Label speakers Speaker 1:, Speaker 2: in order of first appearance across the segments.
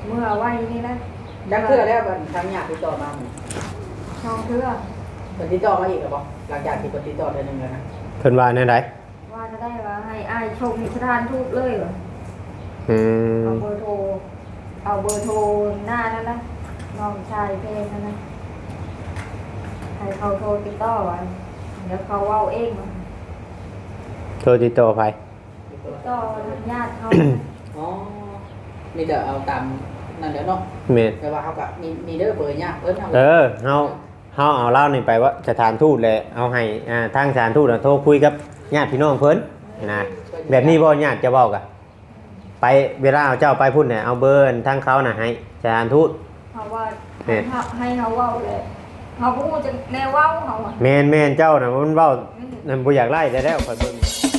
Speaker 1: เมื่อไว้นี่นะ
Speaker 2: ดักเทื่อแล้วทางญาติติดต่อมา
Speaker 1: ช่องเทื่อ
Speaker 2: เป็นติดต่อมาอีกหรือเปล่าหลังจากที่เป็นติดต่อเดือนหนึ่งแล้วนะ
Speaker 3: เพิ่นว่าแนวใด
Speaker 1: ว่าจะได้ว่าให้อ้ายชมสถานทูตเลยเหรอ
Speaker 3: อืม
Speaker 1: เอาเบอร์โทรหน้านั่นนะน้องชายเพลงนั่นนะให้เขาโทรติดต่อไว้เดี๋ยวเขาเว้าเองเนาะ
Speaker 3: โทรติดต่อไป
Speaker 1: ติดต่อญาติเขา
Speaker 2: อ๋อมีแต่เอาตามนั่นแหละเนาะ
Speaker 3: เมด
Speaker 2: แต่ว่าเขากับมีเด้อเบอร์ญาติเพิ่นเอา
Speaker 3: เฮาเอาเล่านี่ไปว่าสถานทูตแหละเอาให้ทางสถานทูตโทรคุยกับญาติพี่น้องเพิ่นนะแบบนี้บ่ญาติจะเว้ากันไปเวลาเอาเจ้าไปพุ่นเนี่ยเอาเบอร์ทางเขาน่ะให้สถานทูต
Speaker 1: เขาว่าให้เขาเว้าเลยเขาพูดจะแนวเว้าเขาอะ
Speaker 3: แม่นเจ้าน่ะมันเว้านั่นบ่อยากไล่ได้แล้วข่อยเบิ่ง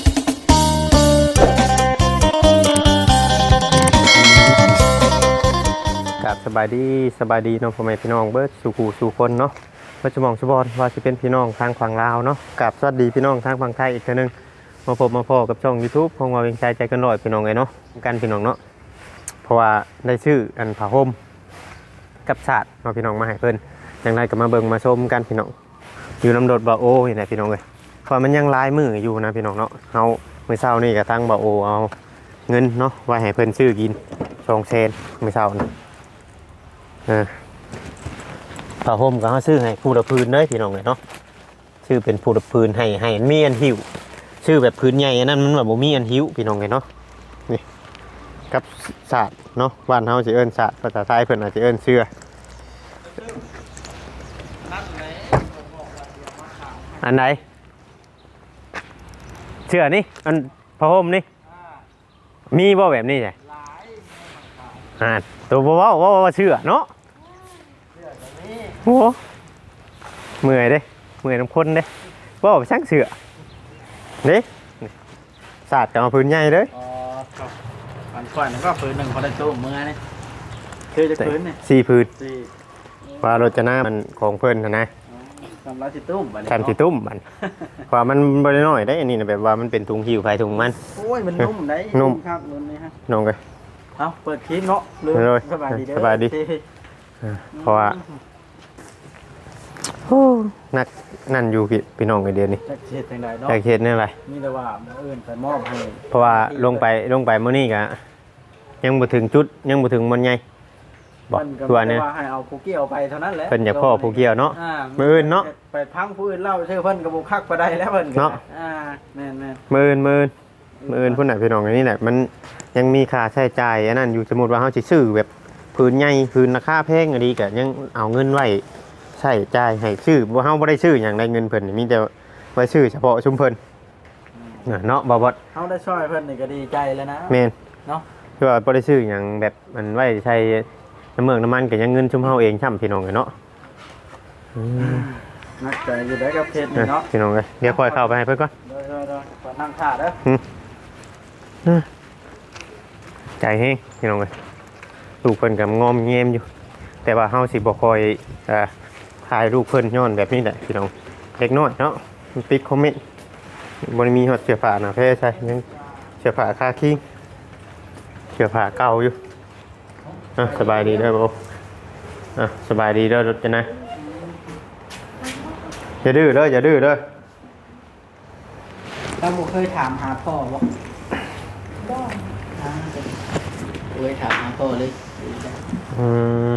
Speaker 3: กับสบายดีน้องพ่อแม่พี่น้องเบิดสู่คนเนาะว่าจะมองสุบอนว่าสิเป็นพี่น้องทางฝั่งลาวเนาะกับสวัสดีพี่น้องทางฝั่งไทยอีกเทื่อนึงมาพบมาพ้อกับช่อง YouTube ของว่าเวียงใจใจกันร้อยพี่น้องไงเนาะกันพี่น้องเนาะเพราะว่าได้ชื่ออันผ้าห่มกับศาสตร์มาพี่น้องมาให้เพิ่นอย่างไรก็มาเบิ่งมาชมกันพี่น้องอยู่ลำโดดบ่โอนี่แหละพี่น้องเอ้ยเพราะมันยังลายมืออยู่นะพี่น้องเนาะเฮามื้อเช้านี่ก็ทางบ่โอเอาเงินเนาะไว้ให้เพิ่นซื้อกิน2 เซนมื้อเช้านี่ผ้าห่มก็เขาซื้อให้ผู้ละพื้นเลยพี่น้องเลยเนาะชื่อเป็นผู้ละพื้นให้มีอันหิวชื่อแบบพื้นใหญ่อันนั้นมันแบบบ่มีอันหิวพี่น้องเลยเนาะนี่กับศาสตร์เนาะบ้านเฮาสิเอิ้นศาสตร์ภาษาไทยเพิ่นอาจจะเอิ้นเสื้ออันไหนเสื้อนี่อันผ้าห่มนี่มีบ่แบบนี้ใช่ตัวบ่ว่าเสื้อเนาะโอ้เมื่อยเด้เมื่อยน้ำข้นเด้ว่าไปช่างเสือเด้ศาสตร์จะมาพื้นใหญ่เลย
Speaker 4: อ๋อครับอันก่อนก็พื้นหนึ่งพอได้ตู้มือนี่คือจะพื้นนี่
Speaker 3: 4 พื้น
Speaker 4: สี่
Speaker 3: ว่ารจนามันของเพิ่นนะ
Speaker 4: สำหรับสิตุ้มบัดนี้
Speaker 3: ทำสิตุ้มมันว่ามันบ่ได้น้อยได้อันนี้นะแบบว่ามันเป็นถุงหิวไผถุงมัน
Speaker 4: โอ้ยมันนุ่มได้
Speaker 3: นุ่ม
Speaker 4: ครับนุ่มนี่ฮะ
Speaker 3: น้องเอ้ย
Speaker 4: เอาเปิดคลิปเนาะเลย
Speaker 3: เลย
Speaker 4: สบายดีเด้อ
Speaker 3: สบายดี เพราะว่านักนั่นอยู่พี่น้องไอเดียนี่
Speaker 4: จะเฮ็ดจังไดเนาะ
Speaker 3: แต่เขตนี่อะไร
Speaker 4: มีแต่ว่ามื้ออื่นไปมอบให้
Speaker 3: เพราะว่าลงไปมื้อนี้ก็ยังบ่ถึงจุดยังบ่ถึงมันใหญ่บอก
Speaker 4: เพิ่นก็
Speaker 3: ตัวนี้
Speaker 4: ว่าให้เอาผู้เกี่ยวไปเท่านั้นแหละ
Speaker 3: เพิ่นอยากพ่อผู้เกี่ยวเนาะ
Speaker 4: า
Speaker 3: มื้ออื่นเนาะ
Speaker 4: ไปพังผู้อื่นเล่าชื่อเพิ่นก็บ่คักบ่ได้แล้วเพิ่นก็
Speaker 3: เนาะ
Speaker 4: แม่น
Speaker 3: มื้ออื่นพุ่นน่ะพี่น้องอันนี้แหละมันยังมีค่าใช้จ่ายอันนั้นอยู่สมมุติว่าเฮาสิซื้อแบบพื้นใหญ่พื้นราคาแพงอันนี้ก็ยังเอาเงินไว้ใช้จ่ายให้ซื้อบ่เฮาบ่ได้ซื้อหยังได้เงินเพิ่นนี่มีแต่ไว้ซื้อเฉพาะชุมเพิ่นเนาะบ่บ่
Speaker 4: ๆเฮาได้ช่วยเพิ่นนี่ก็ดีใจแล้วนะ
Speaker 3: แม่น
Speaker 4: เนาะ
Speaker 3: คือว่าบ่ได้ซื้อหยังแบบมันไว้ใช้น้ำเมืองน้ำมันก็ยังเงินชุมเฮาเองช่ำพี่น้องเอ้ยเนาะ
Speaker 4: นักใจอยู่ได้กับเพชรนี่เนาะ
Speaker 3: พี่น้องเอ้ยเดี๋ยวค่อยเข้าไปให้เพิ่นก่อน
Speaker 4: โดยขอนั่งท่าเด้อ
Speaker 3: ใจแฮงพี่น้องเอ้ยลูกเพิ่นก็งอมแงมอยู่ แต่ว่าเฮาสิบ่ค่อยถ่ายรูปเพิ่นย้อนแบบนี้แหละพี่น้องเล็กน้อยเนาะมันติดคอมเมนต์บ่ได้มีฮอดเสื้อผ้าหน้าแพ้ใช่ยังเสื้อผ้าคาคิงเสื้อผ้าเก่าอยู่สบายดีเด้อบ่สบายดีเด้อรถจะนะอย่าดื้อเด้ออย่าดื้อเด้อ
Speaker 2: เราบ่เคยถามหาพ่อบ่
Speaker 1: ได้
Speaker 2: เคยถามหาพ่อเลย
Speaker 3: อืม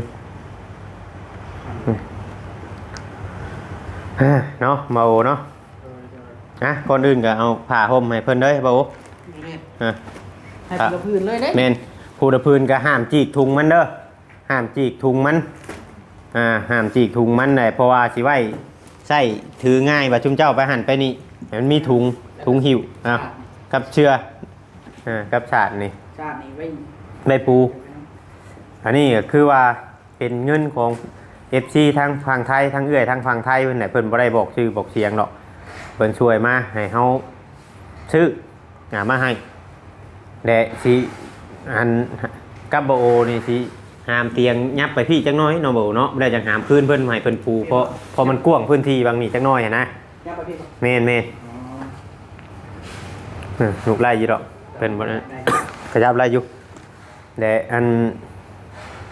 Speaker 3: เนาะมาโอเนาะก่อนอื่นก็เอาผ้าห่มให้เพิ่นเด้อบ่โอ
Speaker 2: ให้เป็นกระพื้นเลยเด้
Speaker 3: แม่นผู้ตะพื้นก็ห้ามจีกถุงมันเด้อห้ามจีกถุงมันห้ามจีกถุงมันได้เพราะว่าสิไว้ใช้ถือง่ายว่าชุมเจ้าไปหั่นไปนี่ให้มันมีถุงหิวกับเชือกับฉาดนี่
Speaker 2: ชาตินี้ไว้
Speaker 3: ใบปู อันนี้ก็คือว่าเป็นเงินของ FC ทางฝั่งไทยทางเอื้อยทางฝั่งไทยเพิ่นน่ะเพิ่นบ่ได้บอกชื่อบอกเสียงดอกเพิ่นช่วยมาให้เฮาซื้อมาให้และสิอันกับบ่โอนี่สิหามเตียงยับไปพี่จักหน้อยเนาะบ่เนาะบ่ได้จังหามพื้นเพิ่นให้เพิ่นปูเพราะมันกว้างพื้นที่บางนี่จักหน้อยหันนะ
Speaker 2: ย่าไปพี่
Speaker 3: แม่นลูกไล่อยู่ดอกเพิ่นบ่ขยับไล่อยู่และอัน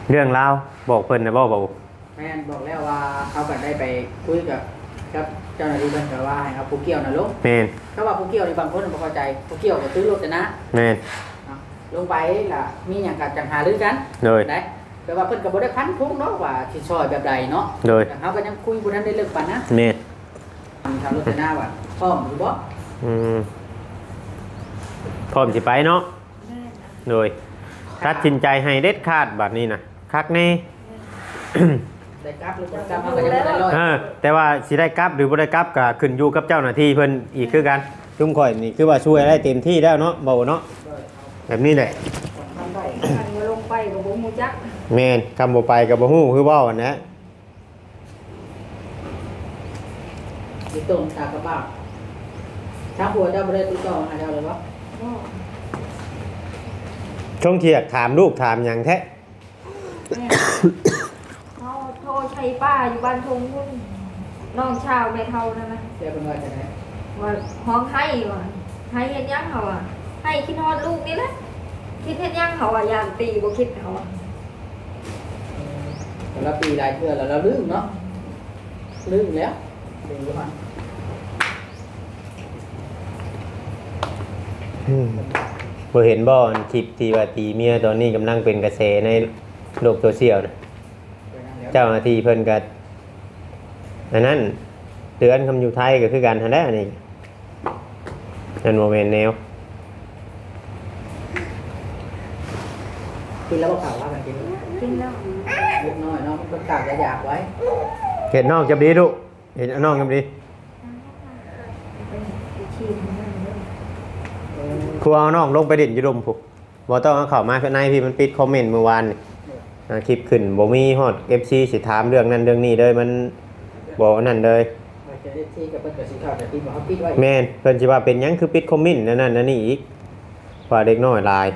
Speaker 3: เรื่องราวบอกเพิ่นนะบ่บ่
Speaker 2: แม่นบอกแล้วว่าเขาก็ได้ไปคุยกับเจ้าหน้าที่เพิ่นก็ว่าให้เอาผู้เกี่ยวน่ะลง
Speaker 3: แม่น
Speaker 2: เขาว่าผู้เกี่ยวนี่บางคนบ่เข้าใจผู้เกี่ยวก็ซื้อรถแต่นะ
Speaker 3: แม่น
Speaker 2: ลงไปล่ะมีหยังก็จังหารือกัน
Speaker 3: โดย
Speaker 2: ได้แต่ว่าเพิ่นก็บ่ได้พันธงเนาะว่าสิช่วยแบบใดเนาะ
Speaker 3: โดย
Speaker 2: แต่เขาก็ยังคุยบ่ทันได้เลิกปานนะ
Speaker 3: แม่น
Speaker 2: ทางรถแต่หน้าว่าพร้อมหรือบ่
Speaker 3: อืมพร้อมสิไปเนาะ
Speaker 1: แม่
Speaker 3: โดยตัดสินใจให้เด็ดขาดบัดนี้นะคักแน่
Speaker 2: ได้กลับหรือบ่กลับเขาก็ยังบ่ได้ร้อย
Speaker 3: แต่ว่าสิได้กลับหรือบ่ได้กลับก็ขึ้นอยู่กับเจ้าหน้าที่เพิ่นอีกคือกันจุ่มข่อยนี่คือว่าช่วยได้เต็มที่แล้วเนาะบ่เนาะแบบนี้แหละ
Speaker 2: ทำได้
Speaker 1: คันว่าลงไปกับบ่ฮู้จัก
Speaker 3: แม่นคำบ่ไปก็บ่ฮู้คือเว้าอันนะ
Speaker 2: มีต้นตากระบ้าทางผัวเจ้าบ่ได้ติดต่อหาเจ้าเลยบ่
Speaker 1: บ่
Speaker 3: ช่วงเที่ยงถามลูกถามหยังแท้
Speaker 1: แม่เขาโทรใช้ป้าอยู่บ้านทงพุ่นน้องชาวแม่เฒ่านั่นนะ
Speaker 2: เดี๋ยวเป็นว่าจะไหน
Speaker 1: ว่าห้องให้ว่ะให้เฮ็ดหยังเขาอ่ะให้คิดฮอดลูกนี่แหละคิดเฮ็ดหยังเขาอ่ะยามตีบ่คิดเขาอ่ะ
Speaker 2: แต่ละปีหลายเทื่อแล้วเราลืมเนาะลืมแล้วลืมว่า
Speaker 3: บ่เห็นบ่อันคลิปที่ว่าตีเมียตอนนี้กำลังเป็นกระแสในโลกโซเชียลนะเจ้าหน้าที่เพิ่นก็อันนั้นเตือนคำอยู่ไทยก็คือกันหั่นแหละนี่นั่นบ่แม่นแนว
Speaker 2: กินแล้วก็ข่าวว่ากันกิน
Speaker 1: กินแล้ว
Speaker 2: เล็กน้อยเนาะมันกากจะอยากไว้
Speaker 3: เห็นน้องจับดีลูกเห็นน้องจับดี
Speaker 1: ไปชิมนั่นเด้อ
Speaker 3: ครูเอาน้องลงไปเด่นอยู่ลมพุกบ่ต้องเอาเข้ามาข้างในพี่มันปิดคอมเมนต์เมื่อวานนี่คลิปขึ้นบ่มีฮอด FC สิถามเรื่องนั้นเรื่องนี้เลยมันบ่นั่นเลย
Speaker 2: ว่าจะได้ที่กับเพิ่นก็สิเข้าแต่ที่บ่เขาปิดไว้
Speaker 3: แม่นเพิ่นสิว่าเป็นหยังคือปิดคอมเมนต์นั่นนั่นนี่อีกว่าเด็กน้อยหลาย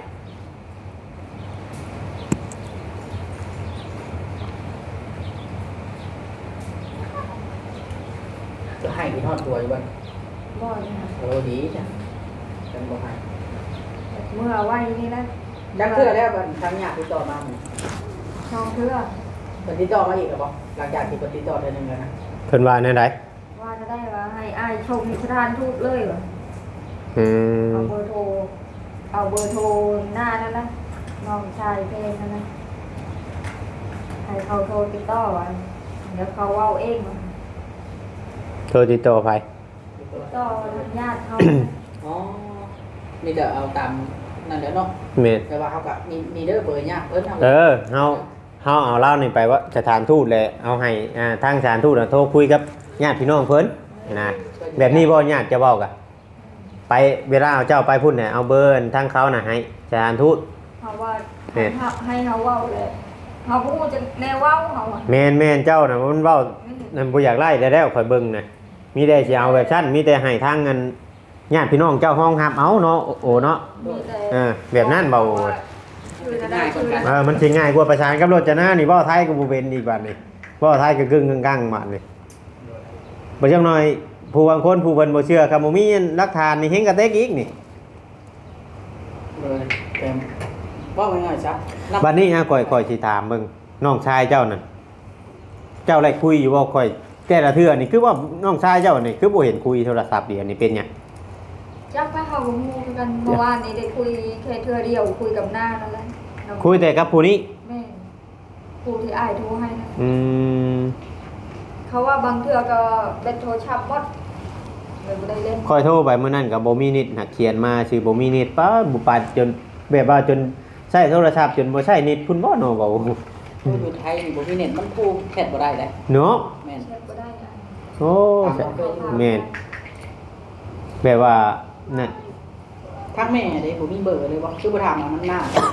Speaker 2: จะให้ที่ทอดตัวอยู่บ้าน
Speaker 1: บ่เนี่ย
Speaker 2: โอ้ดีจ้ะจังบ่ให้
Speaker 1: เมื่อไว้นี่แหละ
Speaker 2: จังเทื่อแล้วบัดทางญาติติดต่อมาหมู่
Speaker 1: ช่องเทื่อ
Speaker 2: เพิ่นติดต่อมาอีกแล้วบ่หลังจากที่เพิ่นติดต่อเดือนหนึงแล้วนะ
Speaker 3: เพิ่นว่าแนวใด
Speaker 1: ว่าจะได้ว่าให้อายชมสถานทูตเลยว่ะ
Speaker 3: อืม
Speaker 1: เอาเบอร์โทรหน้านั่นนะน้องชายเพลงนั่นนะให้เขาโทรติดต่อไว้เดี๋ยวเขาเว้าเองว่ะ
Speaker 3: โทรติดต่อไป
Speaker 1: ติดต่อญาติเขา
Speaker 2: อ๋อมีแต่เอาตามนั่นแหละเนาะ
Speaker 3: แม่น
Speaker 2: แต่ว่าเขาก็มีเด้อเบอร์ญาติเพิ่นเอา
Speaker 3: เฮาเอาเล่านี่ไปว่าสถานทูตแหละเอาให้ทางสถานทูตน่ะโทรคุยกับญาติพี่น้องเพิ่นนะแบบนี้บ่ญาติจะเว้ากะไปเวลาเอาเจ้าไปพุ่นน่ะเอาเบอร์ทางเขาน่ะให้สถานทูต
Speaker 1: เขาว่าให้เขาเว้าเลยเขาพูดจะแนวเว้าเขาอ่ะ
Speaker 3: แม่นเจ้าน่ะมันเว้านั่นบ่อยากไล่แล้วข่อยเบิ่งน่ะมีแต่สิเอาแบบชั้นมีแต่ให้ทางเงินญาติพี่น้องเจ้าห้องรับเอาเนาะโอ้เนาะ
Speaker 1: มีแต่
Speaker 3: แบบนั้นเบา
Speaker 1: คือจะได้คือจะ
Speaker 3: มันสิง่ายกว่าประชานกับรถจะหน้านี่เว้าไทยก็บ่เป็นอีกบัดนี้เว้าไทยก็กึ่งกลางๆบัดนี้บ่จังน้อยผู้บางคนผู้เพิ่นบ่เชื่อครับบ่มีหลักฐานนี่เฮงกระเตกอีกนี่
Speaker 2: เบอร์เต็มว่าง่ายๆซะนับ
Speaker 3: บัดนี้ข่อยสิถามเบิ่งน้องชายเจ้านั่นเจ้าได้คุยอยู่บ่ข่อยแต่ละเทื่อนี่คือว่าน้องชายเจ้านี่คือบ่เห็นคุยโทรศัพท์เดียวนี่เป็นหยัง
Speaker 1: จักไปเขากับมูกันเมื่อวานนี้ได้คุยแค่เทื่อเดียวคุยกับหน้านั่นแหละ
Speaker 3: คุยแต่กับผู้นี้
Speaker 1: แม่ผู้ที่อายโทรให้นะ
Speaker 3: อืม
Speaker 1: เขาว่าบางเทื่อก็เป็นโทรศัพท์หมดเลยบ่ได้เล่น
Speaker 3: ข่อยโทรไปมื้อนั้นก็บ่มีนิดหักเขียนมาชื่อบ่มีนิดป้าบ่ปานจนแบบว่าจนใช้โทรศัพท์จนบ่ใช้นิดพุ่นบ่เนาะเว้า
Speaker 2: อยู่ไทยนี่บ่มีเน็ตมันพูดแคทบ่ได้เลย
Speaker 3: เนาะ
Speaker 2: แม่น
Speaker 1: เช็ดบ่ได้อะ
Speaker 3: โอ้แม่นแบบว่านั่น
Speaker 2: ทักแม่เด้ผมมีเบอร์เลยบ่ชื่อบ่ถามมันหน้า
Speaker 1: ก็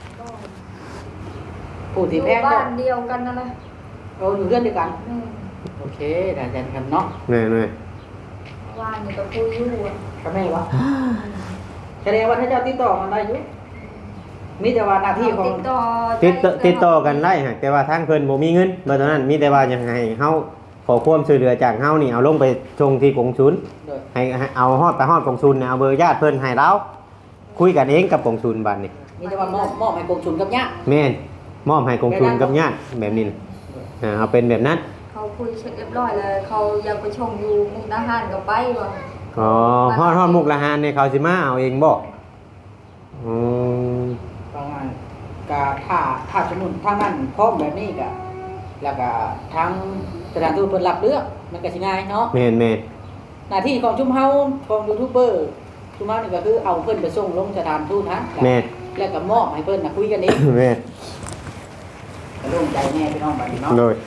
Speaker 2: ผู้
Speaker 1: อ
Speaker 2: ที่
Speaker 1: ยู่
Speaker 2: แพง
Speaker 1: บ้า
Speaker 2: ก็
Speaker 1: นเดียวกันนั่นแหละ
Speaker 2: เราอยู่เพื่อนเดียวกัน
Speaker 1: แม่
Speaker 2: โอเคได้ใจกันเนาะ
Speaker 3: แม่
Speaker 1: เมื่อวานนี่ก็คุยอยู่อะ
Speaker 2: กับแม่วะแสดงว่าถ้าเจ้าติดต่อกันได้อยู่มีแต่ว่าหน้าที่ของ
Speaker 3: ติดต่อกันได้ฮะแต่ว่าทางเพิ่นบ่มีเงินบ่ตอนนั้นมีแต่ว่ายังไงเฮาขอความช่วยเหลือจากเฮานี่เอาลงไปส่งที่กงสุล
Speaker 2: โดย
Speaker 3: ให้เอาฮอดไปฮอดกงสุลเนี่ยเอาเบอร์ญาติเพิ่นให้เราคุยกันเองกับกงสุลบัดนี้
Speaker 2: มีแต่ว่ามอบให้กองทุนกับญาติ
Speaker 3: แม่นมอบให้กองทุนกับญาติแบบนี้น่ะเอาเป็นแบบนั้น
Speaker 1: เขาคุยเสร็จเรียบร้อยเลยเขาอยากไปชมอยู่มุกดาหารก็ไปว่ะ
Speaker 3: อ๋อฮอดมุกละหารนี่เขาสิมาเอาเองบ่อืม
Speaker 2: ประมาณกะถ้าสมมุติทางนั้นพร้อมแบบนี้ก็แล้วก็ทางสถานทูตเพิ่นรับเรื่องมันก็สิง่ายเนาะ
Speaker 3: แม่น
Speaker 2: หน้าที่ของชุมเฮาของยูทูบเบอร์ชุมเฮานี่ก็คือเอาเพิ่นไปส่งลงสถานทูตฮะ
Speaker 3: แม่น
Speaker 2: แล้วก็มอบให้เพิ่นน่ะคุยกันเอง
Speaker 3: แม่น
Speaker 2: ก็โล่งใจแน่พี่น้องบัดนี้เนาะ
Speaker 3: โดย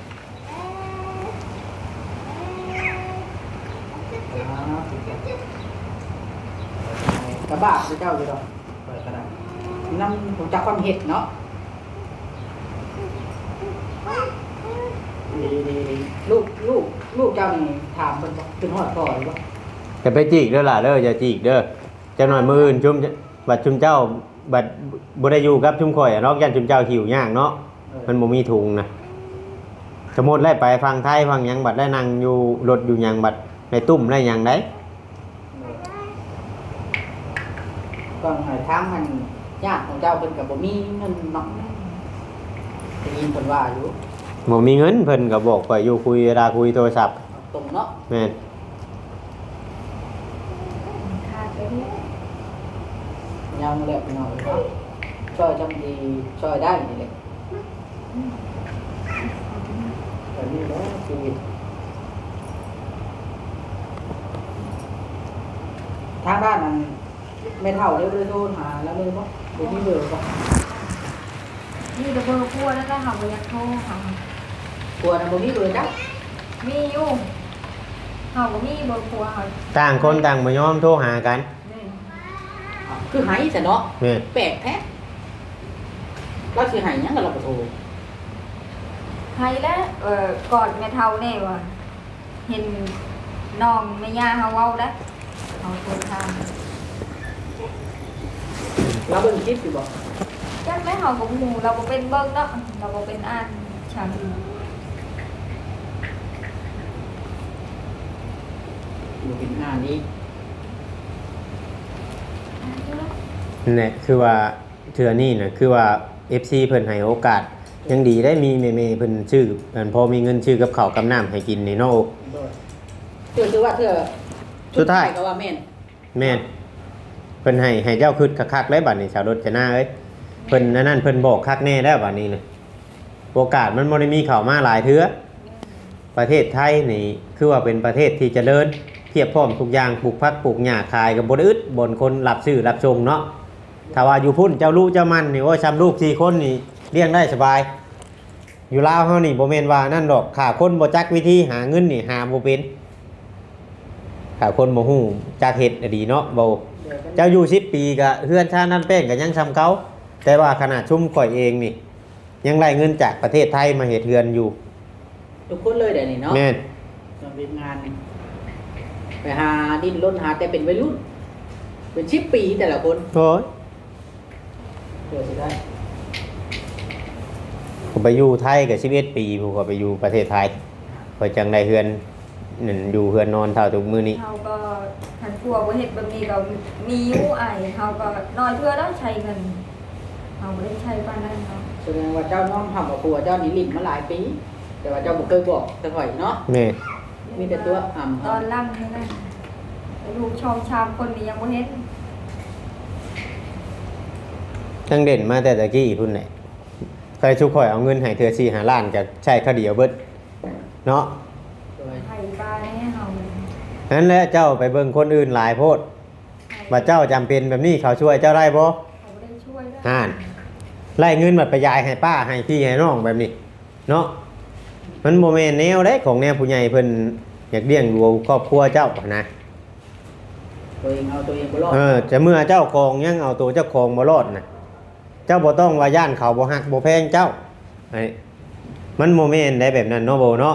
Speaker 2: กระบะพระเจ้าอยู่ดอกเปิดก็ได้นำผมจักความเห็ดเนาะดีลูกเจ้านี่ถามเพิ่นบ่ขึ้นฮอดพ่อหรือบ่
Speaker 3: จะไปจีกเด้อล่ะเด้ออย่าจีกเด้อจักหน่อยมื้ออื่นชุมบัดชุมเจ้าบัดบ่ได้อยู่กับชุมข่อยอะเนาะยันชุมเจ้าหิวยากเนาะมันบ่มีถุงนะสมมุติได้ไปฟังไทยฟังหยังบัดได้นั่งอยู่รถอยู่หยังบัดในตุ้มได้หยังได้
Speaker 2: ก็ให้ทางมันญาติของเจ้าเพิ่นก็บ่มีเงินเนาะได้ยินเพิ่นว่าอยู่
Speaker 3: บ่มีเงินเพิ่นก็บอกข่อยอยู่คุยเวลาคุยโทรศัพท์
Speaker 2: ตรงเนาะ
Speaker 3: แม่น
Speaker 1: ขาดไปนี่
Speaker 2: ยังแหละพี่น้องเนาะช่วยจำดีช่วยได้นี่แหละแต่นี่แหละชีวิตทางด้านนั้นไม่เท่าเร็วเลยโทรหาแล้วเลยบ่บ่มีเบอร์บ่
Speaker 1: นี่จะเบอร์พัวแล้วก็หาเบอร์ยักโทรหาก
Speaker 2: ลัวนะบ่มีเบอร์จ้ะ
Speaker 1: มีอยู่เขาก็มีเบอร์พัวเขา
Speaker 3: ต่างคนต่างบ่ยอมโทรหากัน
Speaker 1: นี่
Speaker 2: คือหายซะเนาะ
Speaker 3: แม่น
Speaker 2: แปลกแท้เราสิหายหยังกับเราบ่โทร
Speaker 1: ใครแล้วกอดแม่เท่าแน่ว่ะเห็นน้องแม่ย่าเขาเว้าได้เขาโทรทาง
Speaker 2: เราเบิ่งคลิปอยู่บ่
Speaker 1: จักแม่เขาก็หูเราบ่เป็นเบิ่งเนาะเราบ่เป็นอ่านฉัน
Speaker 2: อยู่เป็นงานนี้
Speaker 3: นั่นแหละคือว่าเทื่อนี้น่ะคือว่า FC เพิ่นให้โอกาสยังดีได้มีแม่ๆเพิ่นชื่ออันพอมีเงินชื่อกับข้าวกับน้ำให้กินนี่เนาะ
Speaker 2: เทื่อคือว่าเทื่อ
Speaker 3: สุดท้าย
Speaker 2: ก็ว่าแม่น
Speaker 3: แม่นเพิ่นให้เจ้าคึดคักๆเลยบัดนี้ชาวรถจะหน้าเอ้ยเพิ่นนั่นเพิ่นบอกคักแน่แล้วบัดนี้น่ะโอกาสมันบ่ได้มีเข้ามาหลายเทื่อประเทศไทยนี่คือว่าเป็นประเทศที่เจริญเทียบพร้อมทุกอย่างปลูกผักปลูกหญ้าขายก็บ่ได้อึดบ่นคนรับซื้อรับชงเนาะถ้าว่าอยู่พุ่นเจ้าลูกเจ้ามันนี่โอ้ยซ้ำลูก4คนนี่เลี้ยงได้สบาย อยู่ลาวเฮานี่บ่แม่นว่านั่นดอกขาคนบ่จักวิธีหาเงินนี่หาบ่เป็นขาคนบ่ฮู้จักเฮ็ดอะดีเนาะบ่เจ้าอยู่10ปีก็เฮือนชาตินั่นแป้งก็ยังซ้ำเขาแต่ว่าขนาดชุมข่อยเองนี่ยังได้เงินจากประเทศไทยมาเฮ็ดเฮือนอยู่
Speaker 2: ทุกคนเลยเดี๋ยวนี้เนาะ
Speaker 3: แม่น
Speaker 2: มันเป็นงานนี่ไปหาดิ้นรนหาแต่เป็นวัยรุ่นเป็น10 ปีแต่ละคน
Speaker 3: โอ้ย
Speaker 2: เพื่อสิได้
Speaker 3: ผมไปอยู่ไทยก็11ปีผมก็ไปอยู่ประเทศไทยข่อยจังได้เฮือนนั่นอยู่เฮือนนอนเท่าทุกมื้อนี้
Speaker 1: เขาก็ทันพัวบ่เฮ็ดแบบนี้ก็มีอยู่อ้ายเขาก็น้อยเพื่อแล้วใช้เงินเขาบ่ได้ใช้ปานนั้นเนาะ
Speaker 2: แสดงว่าเจ้าน้องทำกับครัวเจ้านี่ลิ้นมาหลายปี แต่ว่าเจ้าบ่เคยบอกสักหน่อยเนาะ
Speaker 3: แม่
Speaker 2: มีแต่ตัวอ่ำ
Speaker 1: ตอนล่ำนี่นะลูกชองชามคนนี้ยังบ่เฮ็ด
Speaker 3: ตั้งเด่นมาแต่ตะกี้พุ่นแหละเคยชุกข่อยเอาเงินให้เธอ4 5ล้านก็ใช้ข้าวเดียวเบิดเนาะ
Speaker 2: โดย
Speaker 1: ไผปลาแน่เฮา
Speaker 3: นั้นแหละเจ้าไปเบิ่งคนอื่นหลายโพดว่าเจ้าจำเป็นแบบนี้เขาช่วยเจ้าได้บ่
Speaker 1: เขาบ่ได้ช่วยนะ
Speaker 3: อ่านไล่เงินมาไปยายให้ป้าให้พี่ให้น้องแบบนี้เนาะมันโมเมนแนวเด้ของแนวผู้ใหญ่เพิ่นอยากเลี้ยงดูครอบครัวเจ้านะ
Speaker 2: ตัวเองเอาตัวเองบ่รอด
Speaker 3: จะเมื่อเจ้าของยังเอาตัวเจ้าของบ่รอดนะเจ้าบ่ต้องว่าย่านเขาบ่ฮักบ่แพงเจ้าไอ้มันโมเมนได้แบบนั้นเนาะโบเนาะ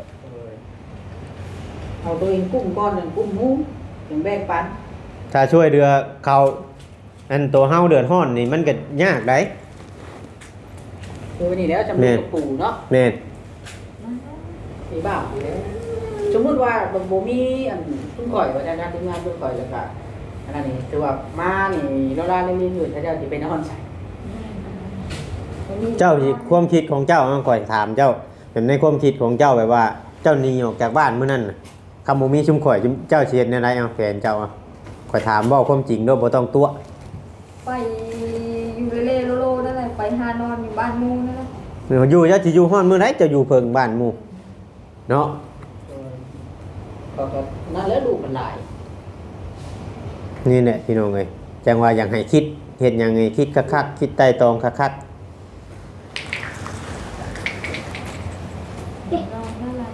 Speaker 2: เอาตัวเองกุ้มก้อนหนึ่งกุ้มหมูอย่างแบกปัน
Speaker 3: ถ้าช่วยเดือเขาอันตัวเฮาเดือดร้อนนี่มันก็ยากได้
Speaker 2: คือวันนี้แล้วจำเป็นกับปู่เนาะ
Speaker 3: แม่น
Speaker 2: มีบ้าอยู่แล้วสมมติว่าบ่มีอันทุ่งข่อยว่าจะงานทุ่งงานทุ่งข่อยแล้วก็อันนั้นนี่ถือว่ามานี่เราลาเล่นๆอยู่ถ้าเจ้าสิไปนอนใส่
Speaker 1: บ
Speaker 3: เจ้าสิความคิดของเจ้ามันก่อยถามเจ้าแบบในความคิดของเจ้าแบบว่าเจ้าหนีออกจากบ้านมื้อนั้นน่ะคำบ่มีชุมข่อยเจ้าสิเฮ็ดแนวใดเอาแฟนเจ้าเอาข่อยถามเว้าความจริงเด้อบ่ต้องตัว
Speaker 1: ไปอยู่เล่ๆโลๆนั่นแหละไปหานอนอยู่บ้านหมู่นั่นแหละ
Speaker 3: อยู่เจ้าสิอยู่ฮ้อนมื้อใดเจ้าอยู่เพิ่งบ้านหมู่เนาะ
Speaker 2: ก็นั่นแหล้วลูกมันหลาย
Speaker 3: นี่แหละพี่น้องเอ้ยจังว่าอยากให้คิดเฮ็ดหยังไงคิดคักๆคิดไต่ตองคัก
Speaker 1: นอนนั่นแหละ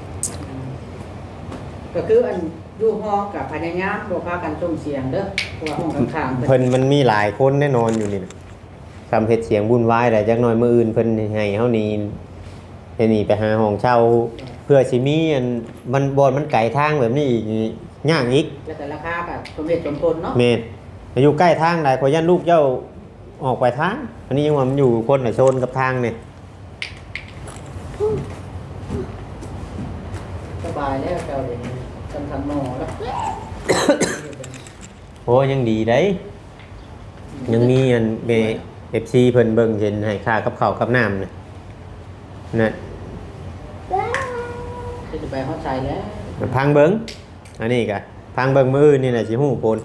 Speaker 2: ก็คืออันอยู่ห้องกับพยายามบ่พากันส่งเสียงเด้อเพราะว่าห้องข้างๆ
Speaker 3: เพิ่นมันมีหลายคนแน่นอนอยู่นี่น่ะทำเฮ็ดเสียงวุ่นวายได้จักหน่อยมื้ออื่นเพิ่นให้เฮานี่ให้หนีไปหาห้องเช่าเพื่อสิมีอันมันบ่มันไกลทางแบบนี้อีกนี่ยากอีก
Speaker 2: แล้วแต่ราคาก็สมเหตุสมผลเนาะ
Speaker 3: แม่นอยู่ใกล้ทางได้ขอยันลูกเจ้าออกไปทางอันนี้ยังว่ามันอยู่คนละโซนกับทางนี่
Speaker 2: สบายแล้วเจ้าเดี๋ยวนี้จำทันหมอแล้ว
Speaker 3: โอ้ยังดีได้ยังมีอันเบ FC เพิ่นเบิ่งเห็นให้ค่ากับข้าวกับน้ำน่ะนั่น
Speaker 2: จะไปเข้าใจแล้ว
Speaker 3: พังเบิ่งอันนี้ก็พังเบิ่งมื้ออื่นนี่น่ะสิฮู้ผล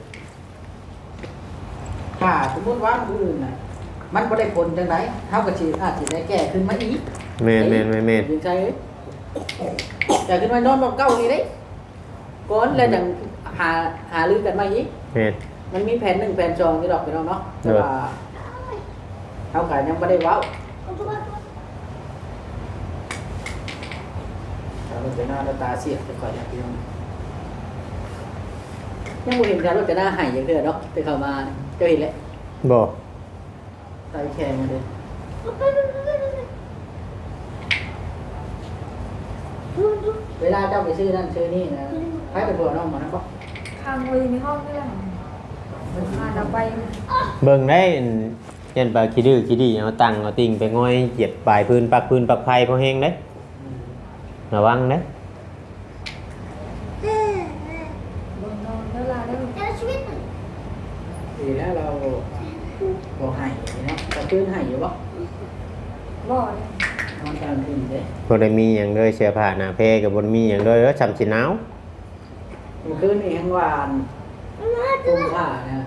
Speaker 2: ถ้าสมมติว่ามื้ออื่นน่ะมันบ่ได้ผลจังไดเฮาก็สิอาจสิได้แก้ขึ้นมาอีก
Speaker 3: แม่น
Speaker 2: ยิงใจเอ้ยแต่ขึ้นมานอนบ่เก่านี่เด้ก่อนแล้วจังหาลือกันมาอีก
Speaker 3: แม่น
Speaker 2: มันมีแผน1แผน2ที่ดอกไปเนาะแต่ว่าเฮาก็ยังบ่ได้เว้าถ้ามันเป็นหน้าตาเสียไปก่อนอย่างพี่น้องยังบ่เห็นการรถจะหน้าหายอย่างเด้อเนาะไปเข้ามาเจ้าเห็นแล้ว
Speaker 3: บ่
Speaker 2: ตายแข็งมาเลยเวลาเจ้าไปซื้อนั่นซื้อนี่นะใครเป็นผัวน้องมันนะปะ
Speaker 1: ข้างเลยในห้องนี่แหละพาเราไป
Speaker 3: เบิ่งได้อันยันปลาขี้ดื้อขี้ดีเอาตังเอาติ่งไปง่อยเหยียบปลายพื้นปักไผพอแห้งเด้ระวังเด้
Speaker 1: บนนอนนั่นแหละแล้ว
Speaker 2: ดีแล้วเราบอกให้เนาะจะคืนให้อยู่ปะ
Speaker 1: บ่เนี่ย
Speaker 2: นอนกลางคืนเด้
Speaker 3: บ่ได้มีหยังเลยเสื้อผ้าหน้าแพรก็บ่ได้มีหยังเลยแล้วจำสิหนาว
Speaker 2: เมื่อคืนนี่แห้งหวานตุ้มผ้านะ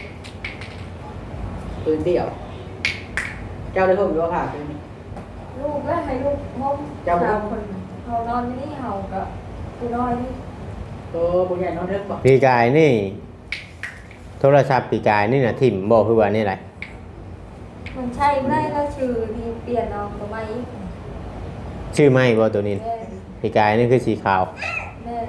Speaker 2: คืนเดี่ยว เจ้าได้ห่มหรือว่าผ้าคืนนี้
Speaker 1: ลูกแล้วให้ลูกมอมสามคนเขานอนที่นี่เฮากับกูน้อยนี่
Speaker 2: ตัวบุญใหญ่นอนเทิงปะ
Speaker 3: ปีกายนี่ โทรศัพท์ปีกายนี่น่ะทิ่มบ่คือว่านี่แหละ
Speaker 1: มันใช่ไม่ได้แล้วชื่อที่เปลี่ยนเอาตัวใหม่อีก
Speaker 3: ชื่อไม่บ่ตัวนี้
Speaker 1: แม่
Speaker 3: ปีกายนี่คือสีขาว
Speaker 1: แม่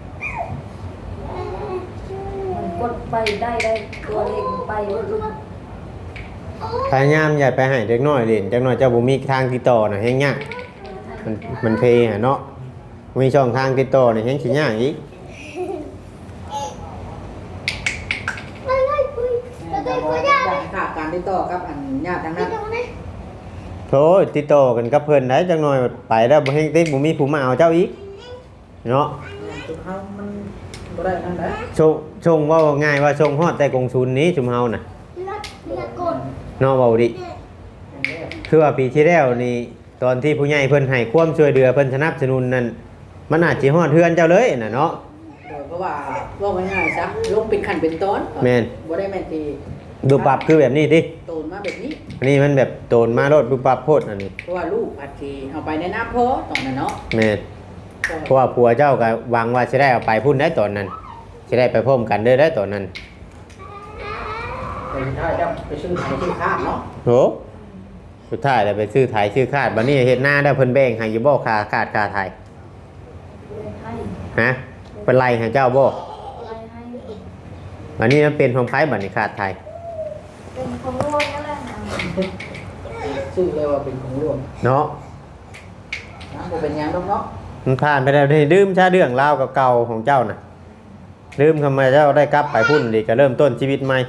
Speaker 1: มันกดไปได้ตัวเล็กไปว่า
Speaker 3: พยายามอย่าไปให้เด็กน้อยเล่นจักหน่อยเจ้าบ่มีทางติดต่อน่ะแฮงยากมันเพหะเนาะมีช่องทางติดต่อนี่แฮงสิยากอีก
Speaker 2: จะบอกอยากขาดการติดต่อกับอันญาติทางนั้น
Speaker 3: โธ่ติดต่อกันกับเพิ่นได้จักหน่อยไปแล้วบ่แฮงติดบ่มีผู้มาเอาเจ้าอีกเนาะ
Speaker 2: จุดเฮามันบ่ได้นั่นแหละ
Speaker 3: ชงว่าง่ายว่าชงฮอดแต่กงซุนนี้ชุมเฮาน่ะเนาะเว้าดิคือว่าปีที่แล้วนี่ตอนที่ผู้ใหญ่เพิ่นให้ความช่วยเหลือเพิ่นสนับสนุนนั่นมันอาจสิฮอดเฮือนเจ้าเลยน่ะเนาะ
Speaker 2: เพราะว่าง่ายๆซะลงเป็นขั้นเป็นตอน
Speaker 3: แม่น
Speaker 2: บ่ได้แม่นที
Speaker 3: ดูปรับคือแบบนี้ดิ
Speaker 2: โตนมาแบบนี้
Speaker 3: อันนี้มันแบบโตนมาโลดดูปรับโพดอันนี้
Speaker 2: เพราะว่าลูกอาจสิเอาไปในน้ำพอตอนนั้นเนาะ
Speaker 3: แม่นเพราะว่าผัวเจ้าก็หวังว่าสิได้เอาไปพุ่นได้ตอนนั้นสิได้ไปพร้อมกันเด้อได้ตอนนั้น
Speaker 2: แต่สุดท้ายจะไปซื้อขายที่ข้ามเนาะ
Speaker 3: โหสุดท้ายแล้วไปซื้อไถซื้อคาดบัดนี้เฮ็ดหน้าได้เพิ่นแบ่งให้อยู่บ่ค่าคาดค่าไถ
Speaker 1: ให้
Speaker 3: ฮะเป็นไรให้เจ้าบ่
Speaker 1: อะไรให้
Speaker 3: บัดนี้มันเป็นของไผบัดนี้คาดไถ
Speaker 1: เป็นของร่วงนั่นแหละ
Speaker 2: ซื้อเลยว่าเป็นของรวม
Speaker 3: เนาะ
Speaker 2: นะบ่เป็นหยังดอกเนาะ
Speaker 3: มันผ่านไปแล้วนี่ลืมชาเรื่องราวเก่าๆของเจ้าน่ะลืมทำไมเจ้าได้กลับไปพุ่นดีก็เริ่มต้นชีวิตใหม่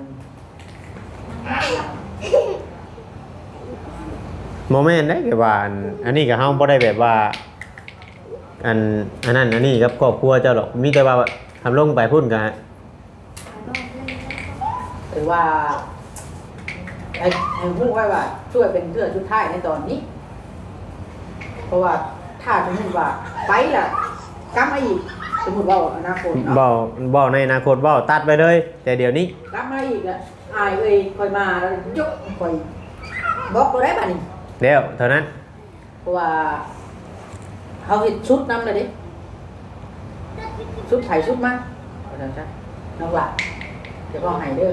Speaker 3: โมเมนต์ได้แค่ว่าอันนี้ก็เฮาบ่ได้แบบว่าอันนั้นอันนี้กับครอบครัวเจ้าหรอกมีแต่ว่าทำลงไปพุ่นก็
Speaker 2: ถือว่าให้ฮู้ไว้ว่าช่วยเป็นเทื่อสุดท้ายในตอนนี้ เพราะว่าถ้าสมมติว่าไปล่ะกลับมาอีกสมมติว่าอนาคตเนาะ
Speaker 3: บ่ในอนาคตบ่ตัดไปเลย แต่เดี๋ยวนี้
Speaker 2: กลับมาอีกอ่ะอายเอ้ยคอยมาแล้วยกคอยบอกบ่ได้บัดนี้
Speaker 3: เดี๋ยวเท่านั้น
Speaker 2: เพราะว่าเขาเห็นชุดนำเลยดิชุดไผ่ชุดมาเอาจังซั่นน้องหล่ะเดี๋ยวพ่อให้เด้อ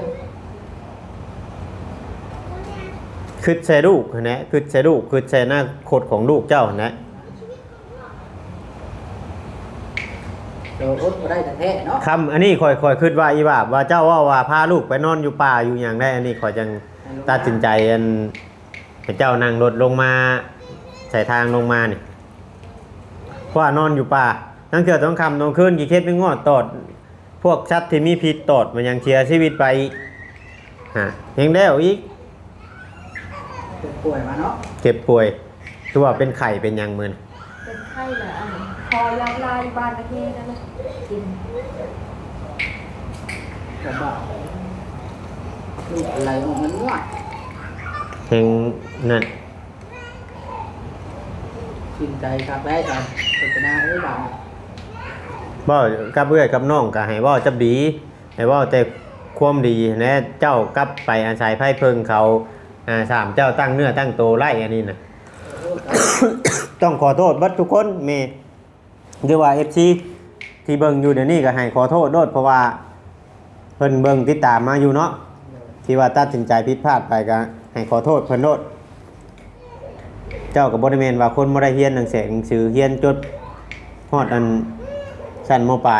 Speaker 3: คือใส่ลูกนะคือใส่ลูกคือใส่หน้าโคตรของลูกเจ้านะ
Speaker 2: เดี๋ยวอดบ่ได้แต่แท้เนาะ
Speaker 3: คำอันนี้คอยคิดว่าอีว่าเจ้าว่าพาลูกไปนอนอยู่ป่าอยู่อย่างได้อันนี้คอยจังตัดสินใจอันให้เจ้านั่งรถลงมาใส่ทางลงมานี่เพราะว่านอนอยู่ป่าตั้งเกิดต้องคำต้องขึ้นกี่เคสไม่งอดตอดพวกชัดที่มีพิษตอดมันยังเชียร์ชีวิตไปฮะยังได้อีก
Speaker 2: เจ็บป่วยมาเนาะ
Speaker 3: เจ็บป่วยคือว่าเป็นไข่เป็นหยังมืน
Speaker 1: เป็นไข้เหรอคอยำลายบ้านประเทศนั่นแหละกิน
Speaker 2: แบบว่าลูกอะไรออกมันง่วง
Speaker 3: เฮงนั่น
Speaker 2: ชื่นใจครับได้ครับเป็นหน้าเอ้ยบ่าว
Speaker 3: บ่กับเอื้อยกับน้องก็ให้บ่จับดีให้บ่แต่ความดีนะเจ้ากลับไปอาศัยไพ่เพิงเขาสามเจ้าตั้งเนื้อตั้งโตไล่อันนี้นะ ต้องขอโทษเบัดทุกคนเมหรือว่า FC ที่เบิ่งอยู่เดี๋ยวนี้ก็ให้ขอโทษโดดเพราะว่าเพิ่นเบิ่งติดตามมาอยู่เนาะที่ว่าตัดสินใจผิดพลาดไปก็ให้ขอโทษเพิ่นโดดเจ้าก็บ่ได้แม่นว่าคนบ่ได้เรียนหนังสือเรียนจดฮอดอันชั้นม.ปลาย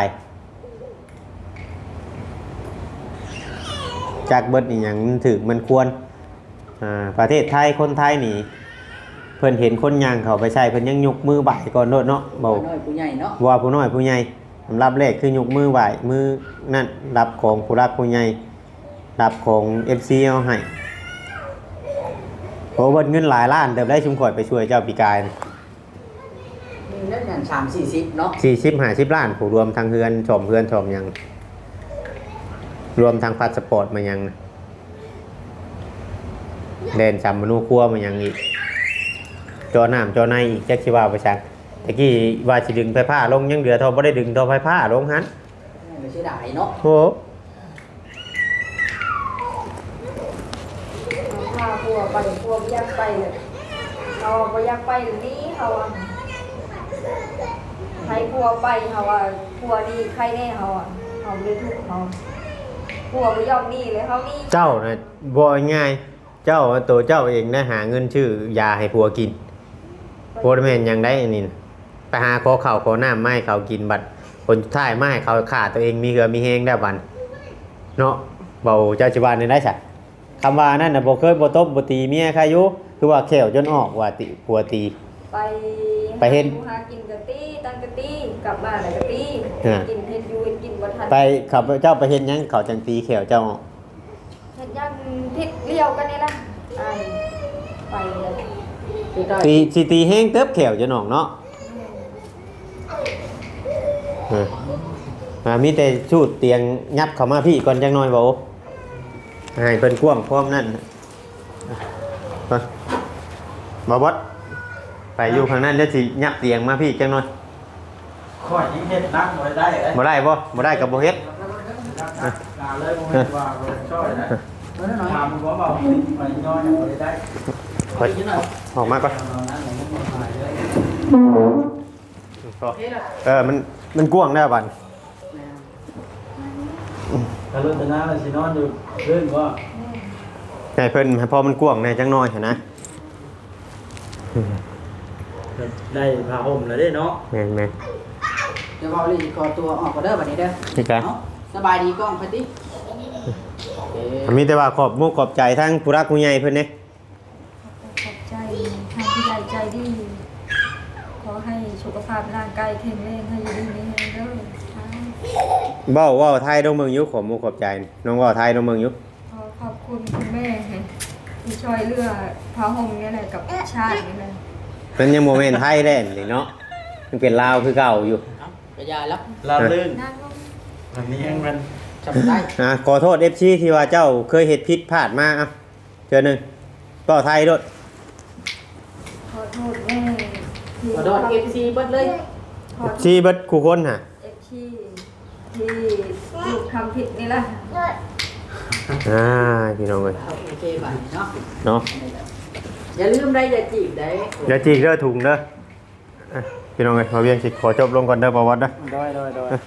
Speaker 3: จากเบิดอีหยังถึกมันควรประเทศไทยคนไทยนี่เพิ่นเห็นคนย่างเขาไปใช้เพิ่นยังยกมือไหว้ก่อนโดดเนาะบ่
Speaker 2: น้อยผู้ใหญ่เนาะ
Speaker 3: ว่าผู้น้อยผู้ใหญ่รับแรกคือยกมือไหว้มือนั่นรับของผู้รักผู้ใหญ่รับของ FC เอาให้โหเบิดเงินหลายล้านเติบได้ชุมข่อยไปช่วยเจ้าปีกาย
Speaker 2: นี่นั่นอย่าง3-40เนาะ
Speaker 3: 40-50 ล้านผู้รวมทางเฮือนชมเฮือนชมหยังรวมทางพาสปอร์ตมายังนะเดินจำมนุครัวมายังอีกจอน้ำจอในอีกแจ็คชิว่าไปชักตะกี้ว่าสิดึงไฟผ้าลงยังเหลือทอบ่ได้ดึงทอไฟผ้าลงหัน
Speaker 2: ไม่ใช่ได้เนาะ
Speaker 3: โอ้
Speaker 1: พาพัวไปพัวไม่อยากไปเลยเขาไม่อยากไปหรือนี่เขาอ่ะใครพัวไปเขาอ่ะพัวนี่ใครแน่เขาอ่ะเขาไม่ทุกเขาพัวไม่ยอมนี่เลยเขานี่
Speaker 3: เจ้าน่ะบ่ง่ายเจ้าตัวเจ้าเองนะหาเงินชื่อยาให้ผัวกินผัวแม่นยังได้อันนี้นะไปหาขอข้าวขอน้ำมาให้เขากินบัดคนสุดท้ายมาให้เขาขาดตัวเองมีเหือมีแฮงได้บัดเนาะเบาเจ้าจิวานนี่ได้ซะคำว่านั่นน่ะบ่เคยบ่ตบบ่ตีเมียใครอยู่คือว่าแขวจนออกว่าติผัวตี ไปเฮ็ด
Speaker 1: หากินกะตี้ตั้งกะตี้กลับบ้านแล้วกะตี้กินเฮ็ดยูกินบ่ทัน
Speaker 3: ไปเขาเจ้าไปเฮ็ดหยังเขาจังตีแขวเจ้าออก
Speaker 1: เฮ็ดยังทิศเลี้ยวกันนี่ล่ะอ้ายไปเลย
Speaker 2: ที่ได้
Speaker 3: ตีสิตีแฮงเติบแขวจะนอกเนาะมีแต่ชูดเตียงยับเข้ามาพี่ก่อนจังน้อยบ่ให้เพิ่นกว้างพร้อมนั่นบ่บดไปอยู่ข้างนั้นเดี๋ยวสิยับเตียงมาพี่จังน้อย
Speaker 4: ข้อยยิ่งเฮ็ดนักบ่ได้เอ้ย
Speaker 3: บ่ได้บ่ได้ก็บ่เฮ็ด
Speaker 4: ลาเลยบ่เฮ็ดว่าบ่ช่วยนะถามบ่เบาไปน้อยบ่ได้
Speaker 3: ขออกมาก่อนมันกว้างได้บัด
Speaker 4: ถ้ารุ่นตะนาแล้วสินอนอยู่เรื่องก็
Speaker 3: ให้เพิ่นให้พอมันกว้างแน่จังน้อยหั่นนะ
Speaker 4: ได้ผ้าห่มแล้วเด้เนาะ
Speaker 3: แม่น
Speaker 2: เดี๋ยวเอาเลยขอตัวออกก็เด้อบัดนี้เด้อ
Speaker 3: พี่กะ
Speaker 2: เนาะสบายดีกล้องพัดดิโอเค
Speaker 3: มีแต่ว่าขอบมุกขอบใจทั้งผู้รักผู้ใหญ่เพิ่นเด้
Speaker 1: ขอบใจทางผู้ใหญ่ใจดีขอให้สุขภาพร่างกายแข็งแรงให้อยู่ดีมีแรงเด้อ
Speaker 3: เว้าไทยต้องเมืองอยู่ขอบมุกขอบใจน้องเว้าไทยต้องเมืองอยู่
Speaker 1: ขอบคุณคุณแม่ที่ช่วยเหลือพระห่มนี่แหละกับชาตินี่แหละ
Speaker 3: มันยังโมเมนต์ไทยแล่นเลยเนาะมันเป็นลาวคือเก่าอยู่
Speaker 2: เอากระยายแล้ว
Speaker 4: ลาลื่น
Speaker 1: นั่งลง
Speaker 4: อันนี้ยังมัน
Speaker 2: จำได้
Speaker 3: ขอโทษ FC ที่ว่าเจ้าเคยเฮ็ดผิดพลาดมาอ่ะเจอหนึ่งก็ไทยด้วย
Speaker 1: ขอโทษแม่ที่
Speaker 2: ขอโทษ FC เบิดเลย
Speaker 1: ขอโทษ
Speaker 3: ชีบัดคู่คนฮะ
Speaker 1: FC ที่ลูกทำผิดนี่แหละ
Speaker 3: พี่น้องเลย
Speaker 2: โอเคบัดเนาะ
Speaker 3: เนาะ
Speaker 2: อย่าลืมได้อย่าจีบได้
Speaker 3: อย่าจีกเด้อถุงเด้ออ่ะพี่น้องเลยมาเวียงสิขอจบลงก่อนเด้อประวัติเด้อ
Speaker 4: โดย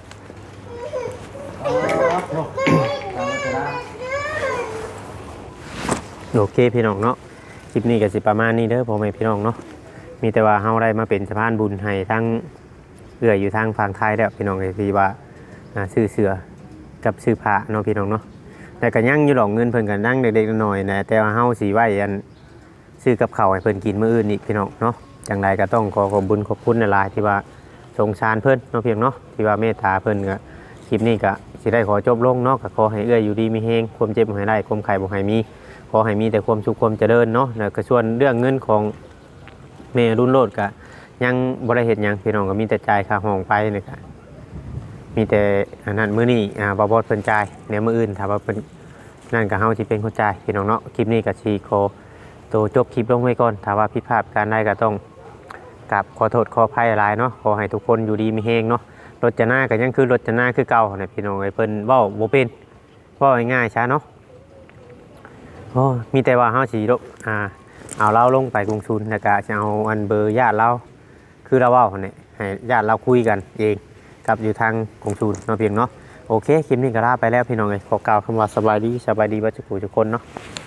Speaker 3: โอเคพี่น้องเนาะคลิปนี้ก็สิประมาณนี้เด้อพ่อแม่พี่น้องเนาะมีแต่ว่าเฮาได้มาเป็นสะพานบุญให้ทั้งเอื้ออยู่ทางฝั่งไทยแล้วพี่น้องเลยที่ว่าซื้อเสือกับซื้อผ้าเนาะพี่น้องเนาะแต่ก็ยังอยู่ดอกเงินเพิ่นก็นั่งเด็กๆน้อยๆนะแต่ว่าเฮาสิไว้อันซื้อกับข้าวให้เพิ่นกินมื้ออื่นอีกพี่น้องเนาะจังไดก็ต้องขอขอบคุญขอบคุณหลายๆที่ว่าสงสารเพิ่นเนาะเพียงเนาะที่ว่าเมตตาเพิ่นก็คลิปนี้ก็สิได้ขอจบลงเนาะก็ขอให้เอื้ออยู่ดีมีแฮงความเจ็บบ่ให้ได้ความไข้บ่ให้มีขอให้มีแต่ความสุขความเจริญเนาะแล้วก็ส่วนเรื่องเงินของแม่รุ่นโลดก็ยังบ่ได้เฮ็ดหยังพี่น้องก็มีแต่จ่ายค่าห้องไปนี่ก็มีแต่อันนั้นมื้อนี้บ่บ่เพิ่นจ่ายเดี๋ยวมื้ออื่นถ้าว่าเพิ่นนั่นก็เฮาสิเป็นคนจ่ายพี่น้องเนาะคลิปนี้ก็สิขอตัวจบคลิปลงไว้ก่อนถ้าว่าผิดพลาดการใดก็ต้องกราบขอโทษขออภัยหลายเนาะขอให้ทุกคนอยู่ดีมีแฮงเนาะรถจนาก็ยังคือรถจนาคือเก่าน่ะพี่น้องเอ้ยเพิ่นเว้าบ่เป็นเว้าง่ายๆช้าเนาะโอ้มีแต่ว่าเฮาสิเอาเราลงไปกรุงศูนย์แล้วก็จะเอาอันเบอร์ญาติเราคือเราเว้าเนี่ยให้ญาติเราคุยกันเองกับอยู่ทางกรุงศูนย์เนาะเพียงเนาะโอเคคลิปนี้ก็ลาไปแล้วพี่น้องเอ้ยขอกล่าวคำว่าสบายดีบ่ทุกคนเนาะ